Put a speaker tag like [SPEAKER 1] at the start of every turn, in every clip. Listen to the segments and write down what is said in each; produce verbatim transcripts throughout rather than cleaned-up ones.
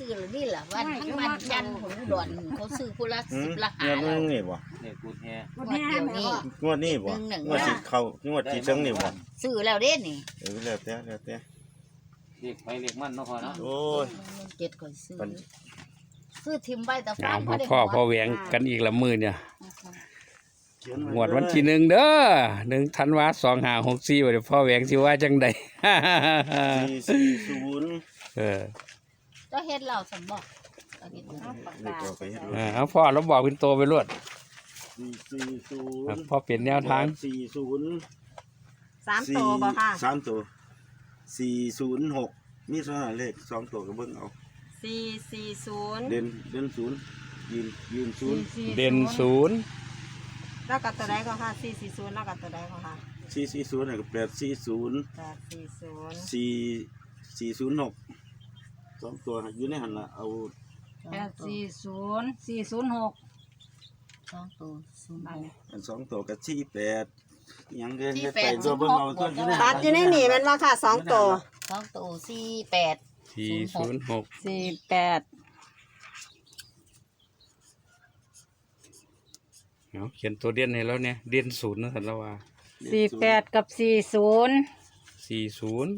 [SPEAKER 1] ซื้อหรือนี่ล่ะวันทั้งวันจันทร์ของอุดรเขาซื้อผู้ละสิบละหา
[SPEAKER 2] เงินนี่บ่
[SPEAKER 3] เนี่ยกูแท้
[SPEAKER 1] งวดเดียวนี่
[SPEAKER 2] งวดนี้บ่งวดสิเข้างวดที่ถึงนี่บ่
[SPEAKER 1] ซื้อแล้วเด้นี่
[SPEAKER 2] เออแล้วแต่แล้วแต่
[SPEAKER 3] เรียกไปเรียกมันเนาะพ่อเนาะ
[SPEAKER 2] โอ้ย
[SPEAKER 1] เจ็ดก่อนซื้อซื้อทิมใบตะ
[SPEAKER 4] งา
[SPEAKER 1] ฟาม
[SPEAKER 4] พ่อพ่อพ่อแหวงกันอีกละมือเนี่ย
[SPEAKER 2] เขียนไ
[SPEAKER 4] งวดวันที่หนึ่งเด้อหนึ่งธันวาสองห้าหกสี่วันพ่อแหวงสิว่าจังใด
[SPEAKER 2] สี่สี่ศูนย์
[SPEAKER 4] เออ
[SPEAKER 1] ก็เฮ็ดเราสมบอกก็เฮ็ด
[SPEAKER 2] นี่ก็ไปเฮ็ด
[SPEAKER 4] เออเอาพ่อเราบอกเป็นตัวไปรวด
[SPEAKER 2] สี่สี่ศูน
[SPEAKER 4] ครับ
[SPEAKER 2] ย์
[SPEAKER 4] พ่อเปลี่ยนแนวทาง
[SPEAKER 2] สี่ศูนย์
[SPEAKER 5] สามตัวบ่ค่ะ
[SPEAKER 2] สามตัวสี่ศูนย์หกมีสองเลขสองตัวก็เบิ่งเอา
[SPEAKER 5] สี่สี่ศูนย์
[SPEAKER 2] เด่นเด่นศูนย์ยืนยืนศูนย์
[SPEAKER 4] เด่นศูนย์
[SPEAKER 5] แล้วกับตัวใดก็ค่ะสี่สี่ศูนย์แล้วกับตัวใดก็ค่ะ
[SPEAKER 2] สี่สี่ศูนย์กับแปดสี่ศูนย์
[SPEAKER 5] แปดสี่ศูนย์
[SPEAKER 2] สี่สี่ศูนย์หกสองตัวอยู่ในหันละเอา
[SPEAKER 6] แปดสี่ศูนย์สี่ศูนย์หก
[SPEAKER 1] สองตัวศูนย์
[SPEAKER 2] อันสองตัวกับสี่แปดยังเดินไปตัวเบิ่งเอาตัวอยู่ใน
[SPEAKER 5] ตัดอยู่ในนี่แมันว่าค่ะสองตัว
[SPEAKER 1] สองตัวสี่แปด
[SPEAKER 4] สี่ศูนย์หก
[SPEAKER 6] สี่แปด
[SPEAKER 4] เอาเขียนตัวเด่นให้แล้วเนี่ยเด่นศูนย์นะสันละว่า
[SPEAKER 6] สี่แปดกับสี่ศูนย์
[SPEAKER 4] สี่ศูนย์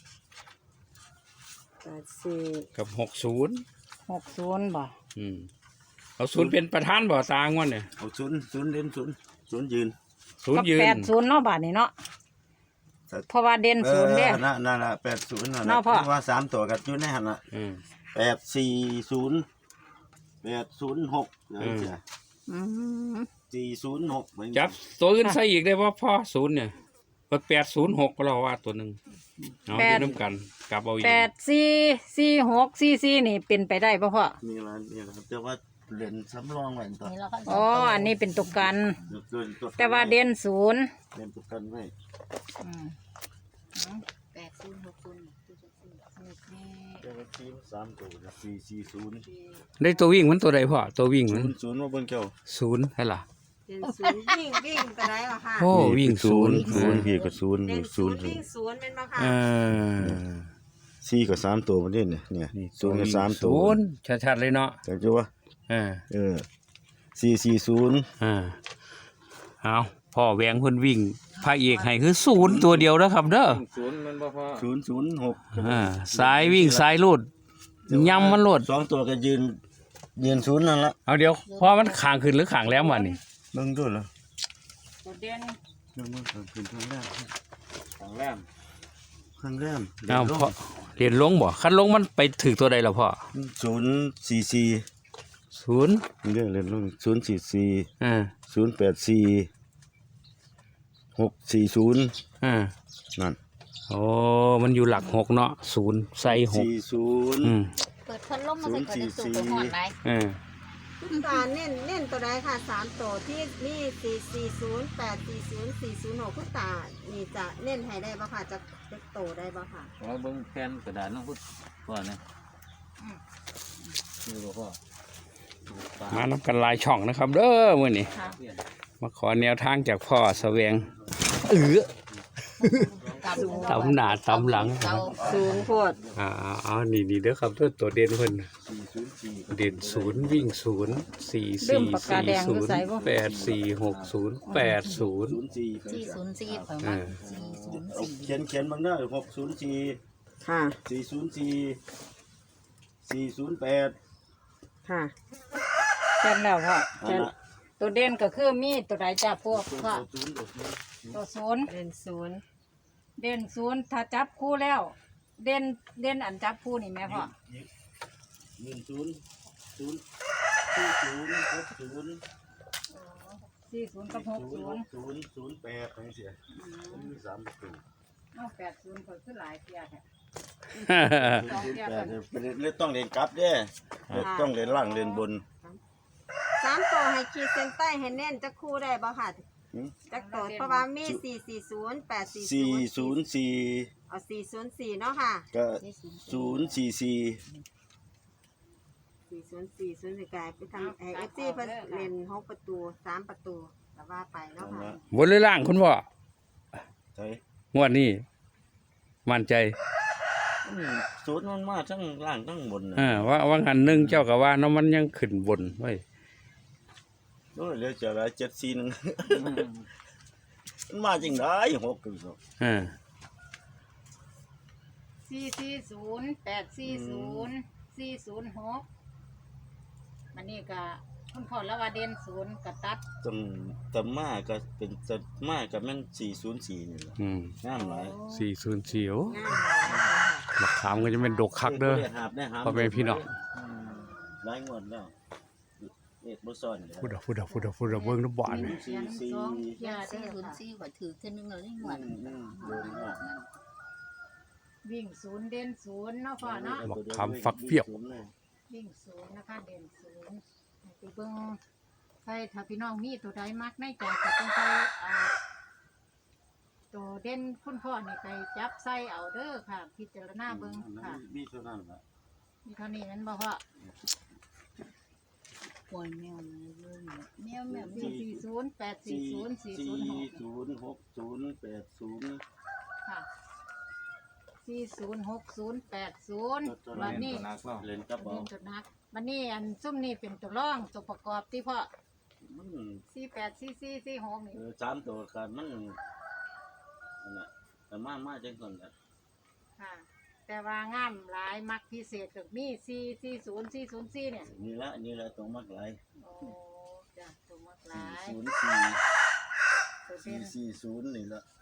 [SPEAKER 5] แปดสี่
[SPEAKER 4] กับหกศูนย์
[SPEAKER 6] หกศูนย์บ่
[SPEAKER 4] อืมเอาศูนย์เป็นประธานบ่ตางวดเนี่ย
[SPEAKER 2] เอาศูนย์ศูนย์เด่นศูนย์ศูนย์ยืน
[SPEAKER 4] ศูน
[SPEAKER 6] กั
[SPEAKER 4] ย์ยืน
[SPEAKER 6] แปดศูนย์เนาะบาทนี่เนาะเพราะว่าเด่นศูนย์เด้
[SPEAKER 2] ออนั่นนั่นละแปดศูนย์นั่น
[SPEAKER 6] เนาะพ่อ
[SPEAKER 2] ว่าสามตัวกับอยู่ในหันละ
[SPEAKER 4] อืม
[SPEAKER 2] แปดสี่ศูนย์แปดศูนย์หก
[SPEAKER 4] อืม
[SPEAKER 6] อืม
[SPEAKER 2] สี่ศูนย์หก
[SPEAKER 4] จับตัวอื่นใส่อีกได้ว่าพ่อศูนย์เนี่ยแปดศูนย์หกก็เราว่าตัวหนึ่งเอาอยู่น้ำกันกลับเอาอีก
[SPEAKER 6] แปดสี่สี่หกสี่สี่นี่เป็นไปได้ป่ะพ่อ
[SPEAKER 2] นี่ละนี่ละครับแต่ว่าเล่นสำรองไว้ตัว
[SPEAKER 1] นี่เราก็
[SPEAKER 6] อ๋ออันนี้เป็นตุกกัน
[SPEAKER 2] ตัวตัว
[SPEAKER 6] แต่ว่าเด่นศูนย์
[SPEAKER 2] เล่นตัวกันไว้
[SPEAKER 6] อืม
[SPEAKER 1] แปดศูนย์หกศูนย์
[SPEAKER 2] แต่ว่าทีมสามตัวนะสี่สี่ศูนย์
[SPEAKER 4] ได้ตัววิ่งมันตัวใดพ่อตัววิ่ง
[SPEAKER 2] ศู
[SPEAKER 4] มัน
[SPEAKER 2] นย์ศูนย์ว่าเบิ่งเจ้า
[SPEAKER 4] ศูนย์ใช่ล่ะ
[SPEAKER 5] เด่นศูนย์วิ่งวิ่งตัวใดก็ค่ะ
[SPEAKER 4] โอ้วิ่งศูนย์
[SPEAKER 2] ศูนย์พี่ก็ศูนย์
[SPEAKER 5] เด่น
[SPEAKER 2] ศู
[SPEAKER 5] ศู
[SPEAKER 2] น
[SPEAKER 5] น
[SPEAKER 2] ย์
[SPEAKER 5] ย์วิ่งศูนย์เป็นบ่ค่ะ
[SPEAKER 4] เออ
[SPEAKER 2] สี่กับสามตัวมันนี่เนี่ยเนี่ยศูนย์กับสามตัว
[SPEAKER 4] ศูนย์ชัดๆเลยเนาะ
[SPEAKER 2] แต่จ้ว่า
[SPEAKER 4] เออ
[SPEAKER 2] เออสี่สี่ศูนย์
[SPEAKER 4] อ่าเอาพ่อแหวงเพิ่นวิ่งพระเอกให้คือศูนย์ตัวเดียวนะครับเด้อ
[SPEAKER 3] ศูนย์มันบ่พ่อ
[SPEAKER 2] ศูนย์ศูนย์หก
[SPEAKER 4] อ่าสายวิ่งสายลูดย่ำมันโลด
[SPEAKER 2] สองตัวก็ยืนยืนศูนย์นั่นละ
[SPEAKER 4] เอาเดี๋ยวพอมันขางขึ้นหรือขางแล้ววันนี้
[SPEAKER 2] เบิ่งด้วยเหรอ
[SPEAKER 6] ตัวเด่น
[SPEAKER 2] เบิ่งเบิ่งขึ้นข้างแรก
[SPEAKER 3] ทางแรม
[SPEAKER 2] ข้างแรก
[SPEAKER 4] เอาพ่อเรียนลงบ่คันลงมันไปถึงตัวใดล่ะพ่อ
[SPEAKER 2] ศูนย์สี่สี่
[SPEAKER 4] ศูนย์
[SPEAKER 2] เรื่องเรียนลงศูนย์สี่สี่
[SPEAKER 4] อ่า
[SPEAKER 2] ศูนย์แปดสี่หกสี่ศูนย์
[SPEAKER 4] อ่า
[SPEAKER 2] นั่น
[SPEAKER 4] โอ้มันอยู่หลักหกเนาะศูนย์ใส่หก
[SPEAKER 2] สี่ศูนย์
[SPEAKER 4] อืม
[SPEAKER 1] เปิดพัดลมมาใส่กระสุนไปหอดไหน
[SPEAKER 4] อ่า
[SPEAKER 5] คุณตาเน้นเน้นตัวใดค่ะสามตัวที่นี่สี่สี่ศูนย์แปดสี่ศูนย์สี่ศูนย์หกคุณตานี่จะเน้นให้ได้บ่ค่ะจะเล็กโตได้บ่ค่ะ
[SPEAKER 3] เราเบิ่งแผ่นกระดาษเนาะพุทธพ่อนะนี่บ่พ่อ
[SPEAKER 4] มานับกันหลายช่องนะครับ เด้อมื้อนี้มาขอแนวทางจากพ่อแสวงเออ ตำหน้าตำหลัง
[SPEAKER 1] เก่า
[SPEAKER 5] สูงโพด
[SPEAKER 4] อ่าเอานี่นี่เด้อครับตัวตัวเด่นเพิ่น
[SPEAKER 2] สี่ศูนย์สี่
[SPEAKER 4] เด่นศูนย์วิ่งศูนย์สี่
[SPEAKER 6] เริ่
[SPEAKER 4] สี่
[SPEAKER 6] มปากกา
[SPEAKER 4] สี่
[SPEAKER 6] แดง
[SPEAKER 4] ศู
[SPEAKER 6] อยู่
[SPEAKER 4] นย์
[SPEAKER 6] ใส่บ่
[SPEAKER 4] แปดสี่หกศูนย์แปดศูนย์
[SPEAKER 2] ศูนย์สี่
[SPEAKER 1] สี่ศูนย์สี่เปิดมาสี่ศูนย์
[SPEAKER 2] เอา
[SPEAKER 1] สี่
[SPEAKER 2] เขียนเขียนบางหน้าหกศูนย์สี่
[SPEAKER 5] ค่ะ
[SPEAKER 2] สี่ศูนย์สี่สี่ศูนย์แปด
[SPEAKER 5] ค่ะ
[SPEAKER 6] แค่นแล้วพ่อ
[SPEAKER 2] นั่
[SPEAKER 6] แค่
[SPEAKER 2] น
[SPEAKER 6] น
[SPEAKER 2] ละ
[SPEAKER 6] ตัวเด่นก็คือมีตัวใดจ้าพวก
[SPEAKER 2] ตัว
[SPEAKER 6] พ่อ
[SPEAKER 2] ศูนย์ตัวศูนย์
[SPEAKER 6] ตัวศูนย์
[SPEAKER 5] เด่นศูนย์
[SPEAKER 6] เด่นศูนย์ถ้าจับคู่แล้ว เด่นเด่นอันจับคู่นี่แม่พ่อ
[SPEAKER 2] หนึ่งศูนย์ศูนย์สี่ศูนย์หกศูนย์
[SPEAKER 6] สี่ศูนย์กับหก
[SPEAKER 2] ศูนย์
[SPEAKER 6] ศู
[SPEAKER 2] ห
[SPEAKER 6] นย์
[SPEAKER 2] กศูนย์ศูนย์แปดอะไรเสียมันมีสามตัว
[SPEAKER 6] เอาแปดศูนย์ก็คือหลายเทียแท้
[SPEAKER 2] ศูนย์แปดเนี่ยเป็นเรื่องต้องเรียนกลับเด้อต้องเรียนล่างเรียนบน
[SPEAKER 5] สามตัวให้ขีดเส้นใต้ให้แน่นจะคู่ได้บ่ค่ะ
[SPEAKER 2] หืม
[SPEAKER 5] จักตัวเพราะว่ามีสี่สี่ศูนย์แปดสี่
[SPEAKER 2] สี่ศูนย์สี่
[SPEAKER 5] เอาสี่ศูนย์สี่เนาะค่ะ
[SPEAKER 2] ก็ศูนย์สี่สี่
[SPEAKER 5] สี่ศูนย์สี่ศูนย์สี่กลายไปทำให้เอฟซีเพิ่นเล่นหกประตูสามประตูแต่ว่าไปเนาะ
[SPEAKER 2] นั่น
[SPEAKER 5] ค่ะ
[SPEAKER 2] ละ
[SPEAKER 4] บนหรือล่างคุณพ่อ
[SPEAKER 2] ใช่
[SPEAKER 4] งวดนี้มั่นใจ
[SPEAKER 2] อืมศูนย์มันมาทั้งล่างทั้งบนน่ะ
[SPEAKER 4] เออว่าว่างันหนึงเจ้าก็ว่าเนาะมันยังขึ้นบนไว้ย
[SPEAKER 2] โอ้ยเหลือจะละเจ็ดสี่หนึง มันมาจริงได้หกคือสอง
[SPEAKER 4] เออ
[SPEAKER 6] สี่สี่ศูนย์แปดสี่ศูนย์สี่ศูนย์หกมันนี่ก็คุณพ่อละว่าเด่นศูนย์ก็ตัด
[SPEAKER 2] ตำตำมาก็เป็นตำมาก็แม่นสี่ศูนย์สี่นี่แหละ
[SPEAKER 4] อืม
[SPEAKER 2] งามหลาย
[SPEAKER 4] สี่ศูนย์สี่โอ้
[SPEAKER 5] งามเลยค่ะ
[SPEAKER 4] บักขามก็จะเป็นดกคักเด้อ
[SPEAKER 2] ได้หาบได้หาบ
[SPEAKER 4] พ่อแม่พี่น้อง
[SPEAKER 2] หลายงวดแล้วเอ็ดบ่ซ่อนเลย
[SPEAKER 4] พูดเอาพูดเอาพูดเอาพูดเอาเบิ่งน้ำบ่อนนี่
[SPEAKER 2] สี่สี่
[SPEAKER 6] สอง
[SPEAKER 1] ยา
[SPEAKER 6] ย่า
[SPEAKER 1] สี่
[SPEAKER 6] เด้อ
[SPEAKER 1] ศูนย์
[SPEAKER 6] ค่ะ
[SPEAKER 1] สี่ก็ถือเท่านึงเลยนี่ห
[SPEAKER 2] อื
[SPEAKER 1] วด
[SPEAKER 2] มอืมโดนมาก
[SPEAKER 6] วิ่งศูนย์เด่นศูนย์เนาะพ่อเนาะ
[SPEAKER 4] บักขามฟักเปรี้ยว
[SPEAKER 6] วิ่งศูนย์นะคะเด่นศูนย์ไปเบิ่งใครถ้าพี่น้องมีตัวใดมักในใจก็ต้องไปอ่าตัวเด่นคุณพ่อนี่ไปจับใส่เอาเด้อค่ะ พิจารณาเบิ่งค่ะ
[SPEAKER 2] มีเท่านั้นล่ะ
[SPEAKER 6] มีเท่านี้นั้นบ่พ่อ
[SPEAKER 1] ปล่อยแมวมาเยอะแมวแมว
[SPEAKER 6] สี่สี่ศูนย์แปดสี่ศูนย์สี่ศูนย์หก
[SPEAKER 2] ศูนย์หกศูนย์แปดศูนย์
[SPEAKER 6] ค่ะสี่ศูนย์หกศูนย์แปดศูนย์วันนี้
[SPEAKER 3] ตัวนักเนาะ
[SPEAKER 2] เล่นกับบ่
[SPEAKER 6] เป็นจุดนักวันนี้อันซุ่มนี่เป็นตัวร่องตัวประกอบที่พ่อ
[SPEAKER 2] มัน
[SPEAKER 6] สี่แปดสี่สี่สี่หกนี่
[SPEAKER 2] เออสามตัวกันมันนั่นน่ะแต่มามาจังซั่นล่ะ
[SPEAKER 6] ค่ะ แต่ว่างามหลายมักพิเศษก็มีสี่สี่ศูนย์สี่ศูนย์สี่เนี่ย
[SPEAKER 2] นี่ละนี่ละตรงมักหลาย
[SPEAKER 6] โอ้จ้ะตัวมักห
[SPEAKER 2] สี่
[SPEAKER 6] ลาย
[SPEAKER 2] ศูนย์สี่
[SPEAKER 6] ตัว
[SPEAKER 2] สี่
[SPEAKER 6] เด่น
[SPEAKER 2] สี่ศูนย์นี่ละ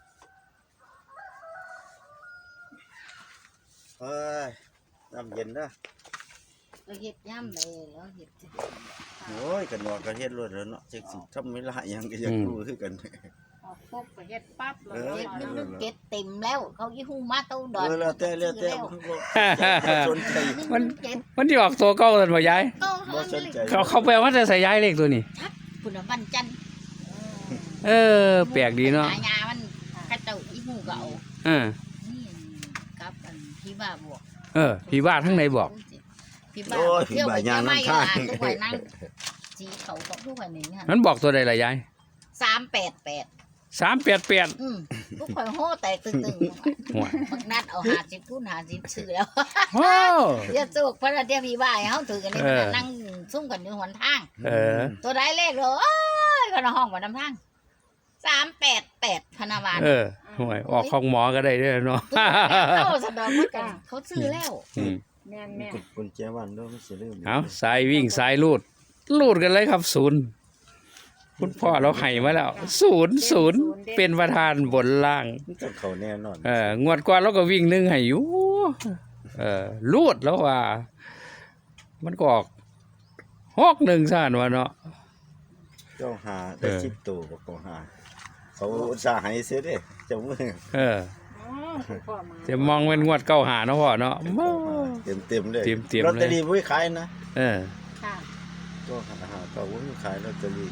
[SPEAKER 2] เอ้ยน้ำเย็นนะ
[SPEAKER 1] ก็เห็ดย่ำเลยแล้วเห็ด
[SPEAKER 2] โอ้ยกันว่ากันเฮ็ดรวดแล้วเนาะจักสิทำเวลาหยังก็อยากรู้คือกัน
[SPEAKER 6] ออกปุ๊บก็เฮ็ดปั๊บเลย
[SPEAKER 2] เออ
[SPEAKER 1] เห็ดนึกนึกเก็ดเต็มแล้ว เขายี่หูมาเต้าดอน
[SPEAKER 2] เออแล้วแต่แล้วแต่บ่บ่สนใจ
[SPEAKER 4] มัน
[SPEAKER 1] เก็ด
[SPEAKER 4] มันที่ออกตัวเก่ากันบ่ยาย
[SPEAKER 1] ก็
[SPEAKER 2] บ่สนใจ
[SPEAKER 4] เขาเขาแปลว่าจะใส่ย้ายเลขตัวนี้
[SPEAKER 1] คุณวันจันทร์
[SPEAKER 4] เออ แปลกดีเนาะ
[SPEAKER 1] หายามันข้าเจ้ายี่หูก็เอา
[SPEAKER 4] เออ
[SPEAKER 1] นี่กับอันพี่บ้าบวก
[SPEAKER 4] เออ พี่ว่าทั้งไหนบอก
[SPEAKER 1] พี่บ้า
[SPEAKER 2] โอ้ย
[SPEAKER 1] เที่ยวไป
[SPEAKER 2] บ่าย
[SPEAKER 1] เที่ยวไม่
[SPEAKER 2] ยาม
[SPEAKER 1] อ่ะ
[SPEAKER 2] น้ำข้าง
[SPEAKER 1] ทุกวันนั่งสีเขาก็ทุกวันนี้ค่ะ
[SPEAKER 4] มันบอกตัวใดล่ะยาย
[SPEAKER 1] สามแปดแปด
[SPEAKER 4] สามแปดแปด
[SPEAKER 1] อืมทุกคนโห่แตกตึงตึง
[SPEAKER 4] หัว
[SPEAKER 1] บักนัดเอาหาสิบคูณหาสิบซื้อแล้ว
[SPEAKER 4] โอ้
[SPEAKER 1] เดี๋ยวสุกพระเดียวพี่บ้าให้เขาถือกันนี่
[SPEAKER 4] เออ
[SPEAKER 1] นั่งซุ่มกันอยู่หนทาง
[SPEAKER 4] เออ
[SPEAKER 1] ตัวได้เลขเลยโอ้ยก็นห้องกว่าน้ำทางสามแปดแปดพนาวาน
[SPEAKER 4] เออห่วยออกของหมอก็ได้เด้วยเนาะ
[SPEAKER 1] เขาสะดอกมันกันเขาซื้อแล้ว
[SPEAKER 4] อืม
[SPEAKER 6] แม่นแม่น
[SPEAKER 2] กุญแจวันด้วยมันสิลืม
[SPEAKER 4] เอาสายวิ่งสายลูด ลูดกันเลยครับศูนย์คุณพ่อเราให้มาแล้วศูนย์ศูนย์เป็นประธานบนล่าง
[SPEAKER 2] มันจะเข้าแน่นอน
[SPEAKER 4] เอองวดก่อนเราก็วิ่งหนึ่งให้อยู่เออลูดแล้วว่า มันก็ออกหกหนึ่งซ่านวะเนาะ
[SPEAKER 2] เจ้าหาได้
[SPEAKER 4] เออ
[SPEAKER 2] สิบตัวบ่ก็หาเขาอุตส่าห์ให้เสียเด้เจ้ามือ
[SPEAKER 4] เออ
[SPEAKER 6] อ๋อคุณพ่อมา
[SPEAKER 4] จะมองเป็นงวดเก้าหาเนาะพ่อเนาะ
[SPEAKER 2] เต็มเต็มๆเลย
[SPEAKER 4] เต็มๆเลย
[SPEAKER 2] ลอตเตอรี่บ่มีขายนะ
[SPEAKER 4] เออ
[SPEAKER 6] ค่ะ
[SPEAKER 2] ก็หาหาก็บ่มีขายลอตเตอรี่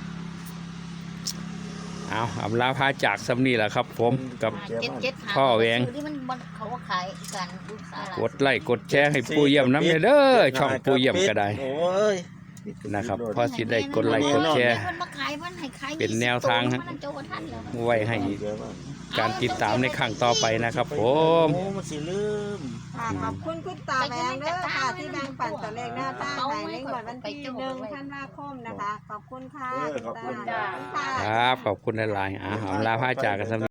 [SPEAKER 4] เอาอำลาพาจากสำนีแหละครับ ผมกับ
[SPEAKER 1] เจ็ดเจ็ดหา
[SPEAKER 4] พ่อแหวง
[SPEAKER 1] ซื้ที่มันมันเขาว่าขายกันลูกสาว
[SPEAKER 4] กดไลค์กดแชร์ให้ปูเยี่ยมน้ำเด้อช่องปูเยี่ยมก็ได้
[SPEAKER 2] โอ้ย
[SPEAKER 4] นะครับพอสิได้กดไลค์กดแชร์
[SPEAKER 1] มันมาขายมันให้ขาย
[SPEAKER 4] เป็นแนวทางฮะ
[SPEAKER 1] มันโจกท่านแล้ว
[SPEAKER 4] ไว้ให้การติดตามในครั้งต่อไปนะครับ ผม
[SPEAKER 2] โอ้มันสิลืม
[SPEAKER 5] ค่ะขอบคุณคุณตาแหวงเด้อค่ะที่แบ่งปันตัวเลขหน้าตาให้ในงวดวันที่หนึ่งธันวาคมนะคะ ขอบคุณค่ะ
[SPEAKER 2] เออขอบคุณ
[SPEAKER 5] ณตาขอบคุณค่ะ
[SPEAKER 4] ครับขอบคุณหลายๆอ่าอำลาพาจากกันสำ